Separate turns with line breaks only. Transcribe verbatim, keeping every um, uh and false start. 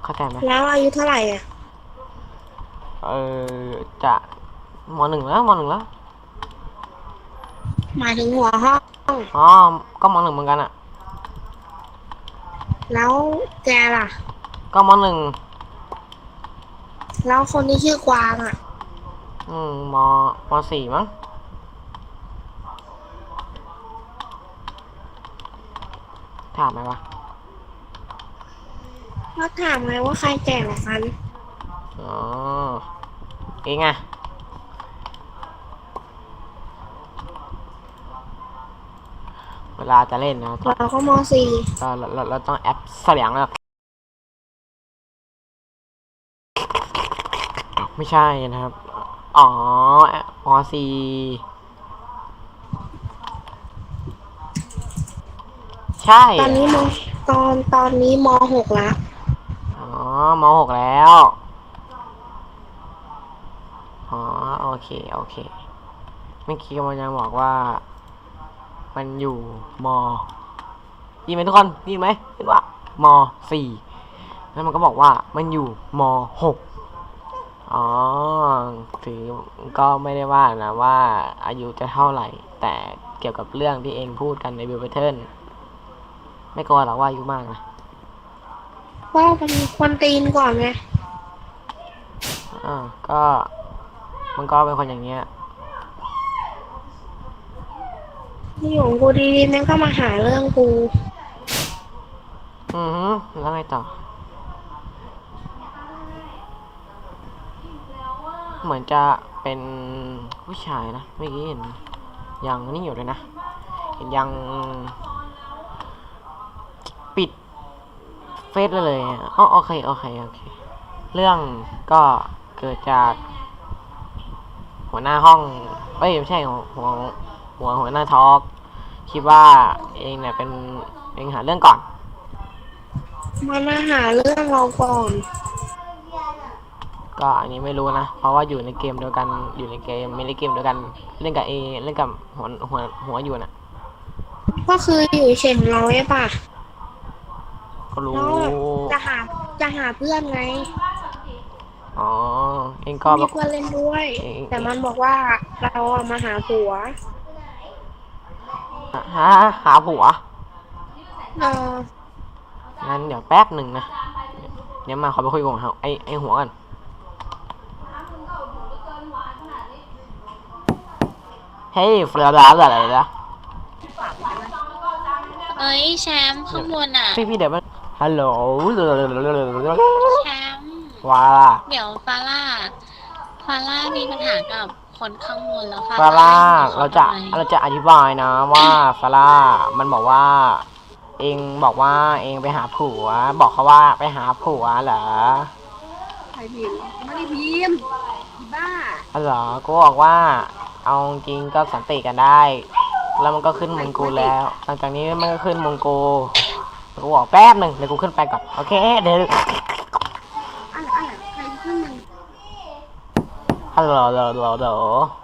เข้าใจไหม
แล้วอายุเท่าไหร่อ่ะ
เออจะมหนึ่งแล้วมหนึ่งแล้ว
หมายถึงหัวห้อง
อ๋อก็มหนึ่งเหมือนกันอะ
แล้วแกล่ะ
ก็มหนึ่ง
แล้วคนที่ชื่อกวางอ่ะ
อืมมมสี่มั้งถามไหมวะ
ก็ถามไงว่าใครแก่กว่ากัน
อ๋อเองอะเวลาจะเล่นนะต้อง
เราก็มสี่
เราเราเราต้องแอปเสียงแบบไม่ใช่นะครับอ๋อมสี่ใช่
ตอนนี้มตอนตอนนี้มหกละ
อ๋อมหกแล้วอ๋อโอเคโอเคเมื่อกี้มันยังบอกว่ามันอยู่มดีไหมทุกคนดีไหมเห็นว่ามสี่แล้วมันก็บอกว่ามันอยู่มหกอ๋อถือก็ไม่ได้ว่านะว่าอายุจะเท่าไหร่แต่เกี่ยวกับเรื่องที่เองพูดกันในบิวเทิร์นไม่กลัวหรอกว่าอายุมากนะ
ก็เป็นคนตีนก่อนไง
อ่าก็มันก็เป็นคนอย่างเงี้ย
ที่อยู่ของกูดีๆแม่งก็มาหาเรื่องกู
อือฮึแล้วไงต่อเหมือนจะเป็นผู้ชายนะเมื่อกี้เห็นยังนี่อยู่เลยนะเห็นยังปิดเฟซเลยอ๋อโอเคโอเคโอเคเรื่องก็เกิดจากหัวหน้าห้องเอ้ยไม่ใช่หัวหัวหัวหัวหน้าทอล์กคิดว่าเองเนี่ยเป็นเองหาเรื่องก่อน
มามาหาเรื่องเราก่อน
ก็อันนี้ไม่รู้นะเพราะว่าอยู่ในเกมเดียวกันอยู่ในเกมไม่ได้เกมเดียวกันเล่นกับเอเล่นกับหัวหัวหัวอยู่น่ะ
ก็คืออยู่เฉยของเราใช่ปะ
ก็รู้
แล้วแบบจะหาจะหาเพื่อนไง
อ๋อเองก็บอก
มีเพื่อนเล่นด้วย
เอง
แต่
เอง
มันบอกว่าเราอะมาหาผัว
หาหาผัว
เออ
งั้นเดี๋ยวแป๊บหนึ่งนะเดี๋ยวมาขอไปคุยกับไอไอหัวกันเฮ้ยเฟลาลาอะไรนะ
เอ้ยแชมป์ข้างบนอ่ะ
พี่พี่เดี๋ยวมันฮัลโหล
แชมป์
ว้า
เดี๋ยวฟาร่าฟาร่ามีปัญหากับคนข้างบนแล้วฟา
ฟาร่า
ร่ายุ่งกับเขา
เราจะ
ทำไม
เราจะอธิบายนะว่าฟาร่ามันบอกว่าเองบอกว่าเองไปหาผัวบอกเขาว่าไปหาผัวเหรอ
ใครพิมพ์ไม่ได้พิมพ์อีบ้า
อ๋อเหรอกูบอกว่าเอาจริงก็สันติกันได้แล้วมันก็ขึ้นมงกูแล้วหลังจากนี้มันก็ขึ้นมงกูกูบอกแป๊บหนึ่งเดี๋ยวกูขึ้นไปก่อนโอเคเดี๋ยว
อะไรอะไรใครขึ้นมัน
ฮัลโหลฮัลโหลฮัลโหล